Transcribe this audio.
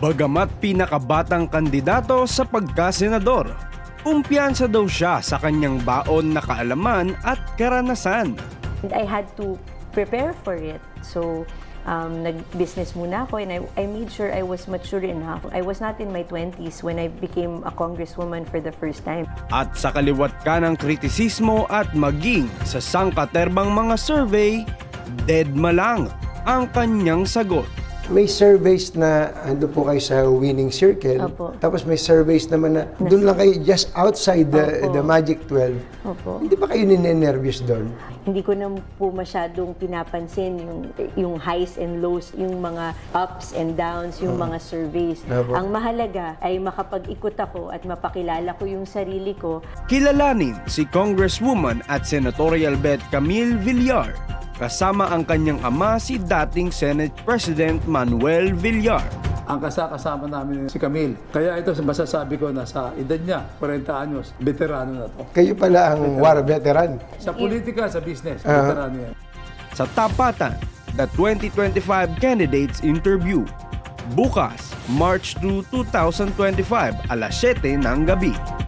Bagamat pinakabatang kandidato sa pagkasenador, kumpiyansa daw siya sa kanyang baon na kaalaman at karanasan. I had to prepare for it. So, nag-business muna ako and I made sure I was mature enough. I was not in my 20s when I became a congresswoman for the first time. At sa kaliwat ka ng kritisismo at maging sa sangkaterbang mga survey, deadma lang ang kanyang sagot. May surveys na ando po kayo sa winning circle. Opo. Tapos may surveys naman na doon lang kayo just outside the Magic 12. Opo. Hindi ba kayo ninenervyos doon? Hindi ko na po masyadong pinapansin yung highs and lows, yung mga ups and downs, yung mga surveys. Opo. Ang mahalaga ay makapag-ikot ako at mapakilala ko yung sarili ko. Kilalanin si Congresswoman at Senatorial Bet Camille Villar, kasama ang kanyang ama si dating Senate President Manuel Villar. Ang kasama namin si Camille. Kaya ito masasabi ko na sa edad niya, 40 anyos, veterano na to. Kayo pala ang war veteran. Sa politika, sa business, veterano yan. Sa Tapatan, the 2025 Candidates Interview. Bukas, March 2, 2025, alas 7 ng gabi.